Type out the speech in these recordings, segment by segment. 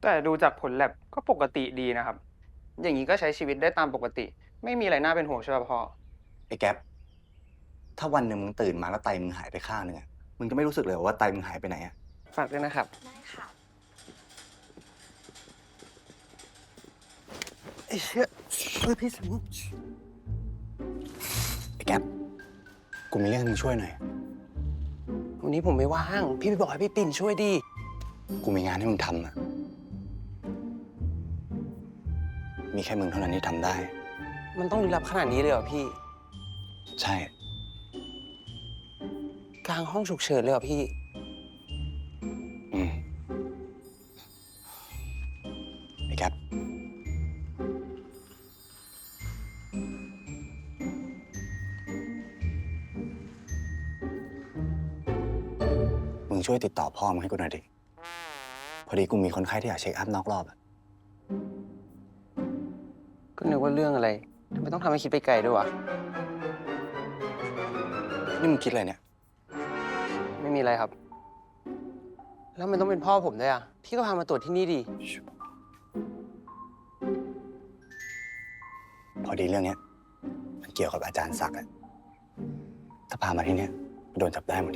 แต่ดูจากผลแลบก็ปกติดีนะครับอย่างนี้ก็ใช้ชีวิตได้ตามปกติไม่มีอะไรน่าเป็นห่วงใช่ป่ะพ่อไอ้แก๊ปถ้าวันหนึ่งมึงตื่นมาแล้วไตมึงหายไปข้างหนึ่งอะมึงจะไม่รู้สึกเลยเหรอว่าไตมึงหายไปไหนอะฝากด้วยนะครับได้ค่ะไอ้เชี่ยพี่สิงไอ้แก๊ปกูมีเรื่องให้มึงช่วยหน่อยวันนี้ผมไม่ว่างพี่ไปบอกให้พี่ปิ่นช่วยดิกูมีงานให้มึงทำอะมีแค่มึงเท่านั้นที่ทำได้มันต้องลึกลับขนาดนี้เลยเหรอพี่ใช่กลางห้องฉุกเฉินเลยเหรอพี่อืมไอ้แก๊ปมึงช่วยติดต่อพ่อมึงให้กูหน่อยดิพอดีกูมีคนไข้ที่อยากเช็คอัพนอกรอบอะก็นึกว่าเรื่องอะไรทำไมต้องทำให้คิดไปไกลด้วยวะนี่มึงคิดอะไรเนี่ยไม่มีอะไรครับแล้วมันต้องเป็นพ่อผมด้วยอ่ะพี่ก็พามาตรวจที่นี่ดิพอดีเรื่องเนี้ยมันเกี่ยวกับอาจารย์ศักดิ์อะถ้าพามาที่เนี้ยโดนจับได้หมดดิ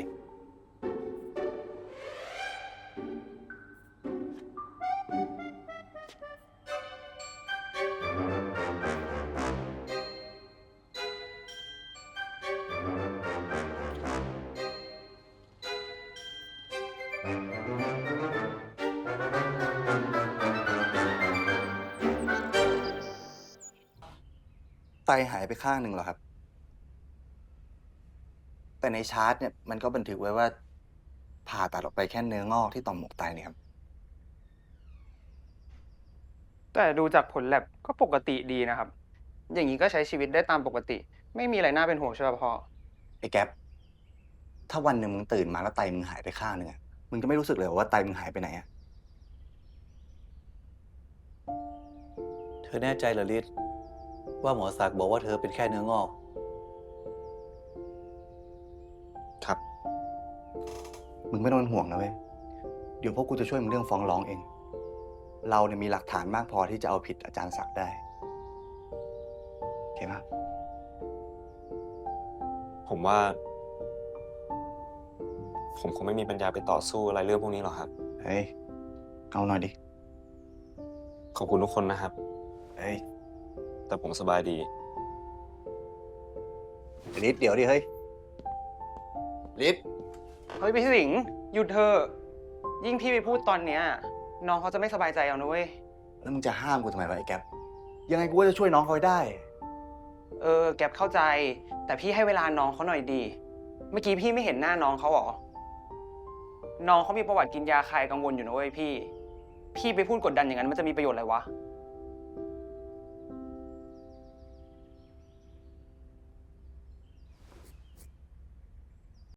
ไตหายไปข้างหนึ่งเหรอครับ แต่ในชาร์ตเนี่ยมันก็บันทึกไว้ว่าผ่าตัดออกไปแค่เนื้องอกที่ต่อมหมวกไตนี่ครับแต่ดูจากผลแลบก็ปกติดีนะครับอย่างนี้ก็ใช้ชีวิตได้ตามปกติไม่มีอะไรน่าเป็นห่วงใช่ป่ะพ่อไอ้แก๊ปถ้าวันหนึ่งมึงตื่นมาแล้วไตมึงหายไปข้างหนึ่งอะมึงจะไม่รู้สึกเลยเหรอว่าไตมึงหายไปไหนอะเธอแน่ใจเหรอลิศว่าหมอศักดิ์บอกว่าเธอเป็นแค่เนื้องอกครับ มึงไม่ต้องเป็นห่วงนะเว้ย เดี๋ยวพวกกูจะช่วยมึงเรื่องฟ้องร้องเอง เราเนี่ยมีหลักฐานมากพอที่จะเอาผิดอาจารย์ศักดิ์ได้โอเคไหมผมว่า ผมคงไม่มีปัญญาไปต่อสู้อะไรเรื่องพวกนี้หรอกครับเฮ้ย เอาหน่อยดิขอบคุณทุกคนนะครับเฮ้ยแต่ผมสบายดีลิศเดี๋ยวดิ เฮ้ยลิศเฮ้ยพี่สิงห์หยุดเถอะยิ่งพี่ไปพูดตอนเนี้ยน้องเขาจะไม่สบายใจเอานะเว้ยแล้วมึงจะห้ามกูทำไมวะไอ้แก๊ปยังไงกูก็จะช่วยน้องเขาให้ได้แก๊ปเข้าใจแต่พี่ให้เวลาน้องเขาหน่อยดีเมื่อกี้พี่ไม่เห็นหน้าน้องเขาหรอน้องเขามีประวัติกินยาคลายกังวลอยู่นะเว้ยพี่ไปพูดกดดันอย่างนั้นมันจะมีประโยชน์อะไรวะ